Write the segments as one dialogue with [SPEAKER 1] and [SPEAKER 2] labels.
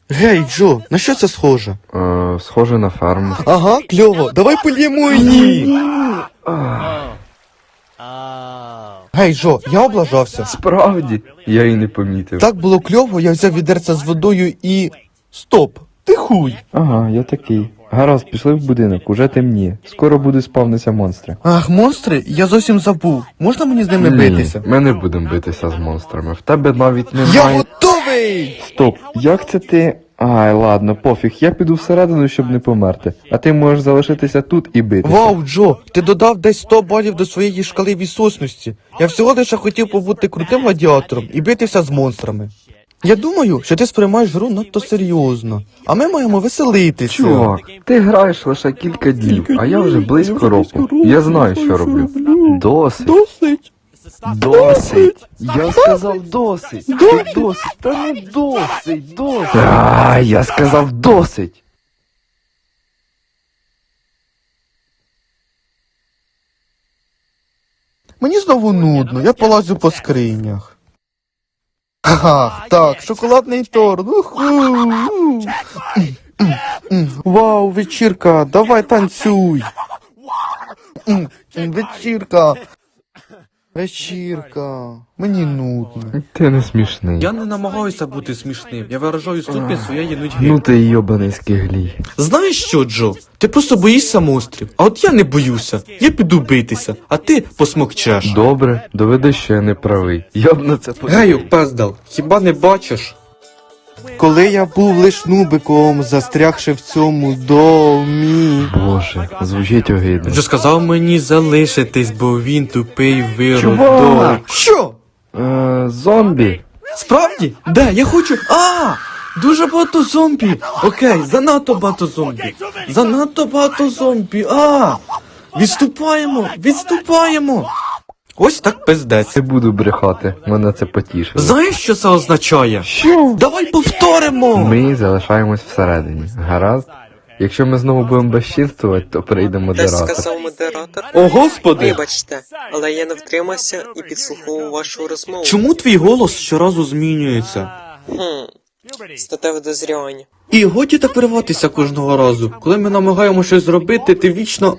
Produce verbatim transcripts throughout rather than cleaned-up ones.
[SPEAKER 1] Гей, Джо, на що це схоже?
[SPEAKER 2] Е, схоже на ферму.
[SPEAKER 1] Ага, кльово, давай польємо її. Гей, Джо, я облажався.
[SPEAKER 2] Справді, я і не помітив.
[SPEAKER 1] Так було кльово, я взяв відерце з водою і... Стоп, ти хуй.
[SPEAKER 2] Ага, я такий. Гаразд, пішли в будинок, уже темніє. Скоро буде спавнитися монстри.
[SPEAKER 1] Ах, монстри? Я зовсім забув. Можна мені з ними битися?
[SPEAKER 2] Ми не будемо битися з монстрами. В тебе навіть
[SPEAKER 1] Я
[SPEAKER 2] немає...
[SPEAKER 1] готовий!
[SPEAKER 2] Стоп, як це ти... Ай, ладно, пофіг, я піду всередину, щоб не померти. А ти можеш залишитися тут і битися.
[SPEAKER 1] Вау, Джо, ти додав десь сто балів до своєї шкали відсутності. Я всього лише хотів побути крутим гладіатором і битися з монстрами. Я думаю, що ти сприймаєш гру надто серйозно, а ми маємо веселитися.
[SPEAKER 2] Чувак, ти граєш лише кілька днів, а я вже близько року. Я знаю, що роблю. Досить.
[SPEAKER 1] Досить.
[SPEAKER 2] Досить! Я сказав досить! Ти досить! Та не досить! Досить! А, я сказав досить!
[SPEAKER 1] Мені знову нудно, я полазю по скринях. Ах, так, шоколадний торт. Уху. М, м, м. Вау, вечірка, давай танцюй. М, м, Вечірка. Вечірка. Мені нудно.
[SPEAKER 2] Ти не смішний.
[SPEAKER 1] Я не намагаюся бути смішним, я виражаю ступінь своєї нудьги.
[SPEAKER 2] Ну ти йобаний скиглій.
[SPEAKER 1] Знаєш що, Джо? Ти просто боїшся монстрів, а от я не боюся. Я піду битися, а ти посмокчеш.
[SPEAKER 2] Добре, доведи, що я не правий. Я б на це
[SPEAKER 1] Гею, пездал, хіба не бачиш? Коли я був лиш нубиком, застрягши в цьому домі.
[SPEAKER 2] Боже, звучить огидно.
[SPEAKER 1] Вже сказав мені залишитись, бо він тупий виродок.
[SPEAKER 2] Чувак!
[SPEAKER 1] Що?
[SPEAKER 2] Е, зомбі.
[SPEAKER 1] Справді? Де? Я хочу. А! Дуже багато зомбі. Окей, занадто багато зомбі. Занадто багато зомбі. А! Відступаємо! Відступаємо! Ось так пиздець.
[SPEAKER 2] Не буду брехати, мене це потішило.
[SPEAKER 1] Знаєш, що це означає?
[SPEAKER 2] Що?
[SPEAKER 1] Давай повторимо!
[SPEAKER 2] Ми залишаємось всередині. Гаразд? Якщо ми знову будемо безчинствувати, то прийде
[SPEAKER 3] Те
[SPEAKER 2] модератор.
[SPEAKER 3] сказав модератор.
[SPEAKER 1] О, господи!
[SPEAKER 3] Вибачте, але я не втримався і підслуховував вашу розмову.
[SPEAKER 1] Чому твій голос щоразу змінюється?
[SPEAKER 3] Хм, статеве дозрівання.
[SPEAKER 1] І годі так вириватися кожного разу. Коли ми намагаємося щось зробити, ти вічно...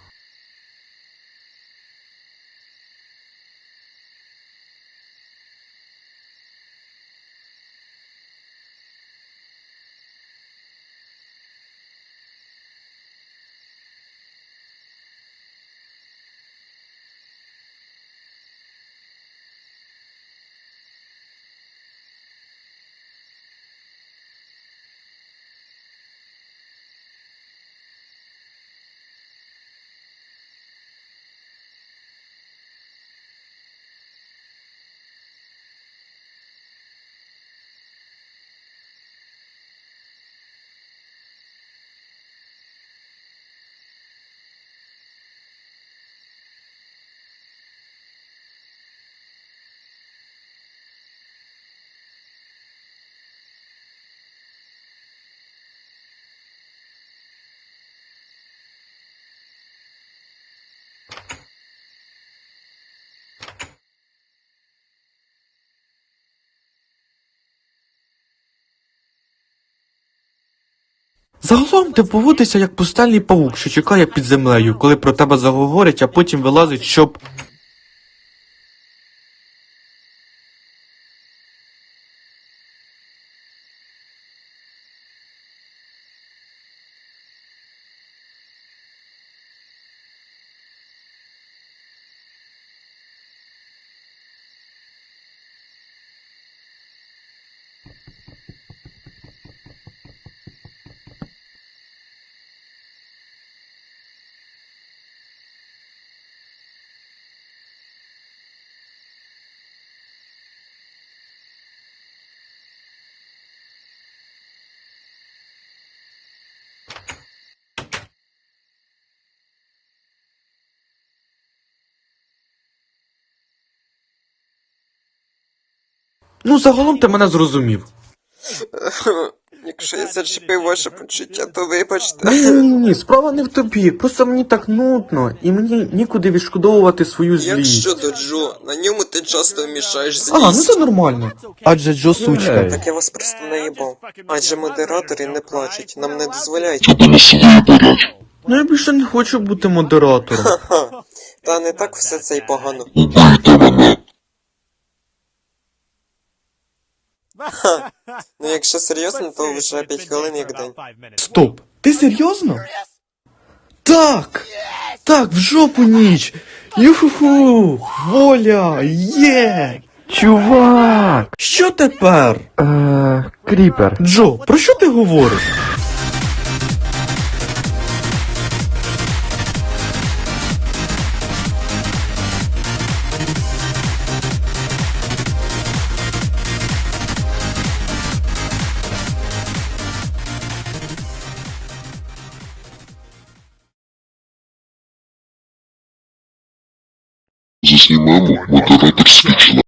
[SPEAKER 1] Загалом ти поводишся як пустельний павук, що чекає під землею, коли про тебе заговорять, а потім вилазить, щоб... Ну, загалом ти мене зрозумів.
[SPEAKER 3] Якщо я зачепив ваше почуття, то вибачте.
[SPEAKER 1] Ні, ні, ні, справа не в тобі. Просто мені так нудно, і мені нікуди відшкодовувати свою
[SPEAKER 3] Як
[SPEAKER 1] злість.
[SPEAKER 3] щодо Джо, на ньому ти часто вмішаєш
[SPEAKER 1] А, ну
[SPEAKER 3] злість.
[SPEAKER 1] це нормально. Адже Джо сучка.
[SPEAKER 2] Ей.
[SPEAKER 3] Так я вас просто наїбав. Адже модератори не плачуть, нам не дозволяють.
[SPEAKER 1] Ну я більше не хочу бути модератором.
[SPEAKER 3] Ха. Та не так все це й погано. Ха. Ну якщо серйозно, то вже п'ять хвилин як день.
[SPEAKER 1] Стоп, ти серйозно? Так! Так, в жопу ніч! Юху! Воля! Є!
[SPEAKER 2] Чувак!
[SPEAKER 1] Що тепер?
[SPEAKER 2] Е, Кріпер.
[SPEAKER 1] Джо, про що ти говориш?
[SPEAKER 4] Заснімемо модератор скічно.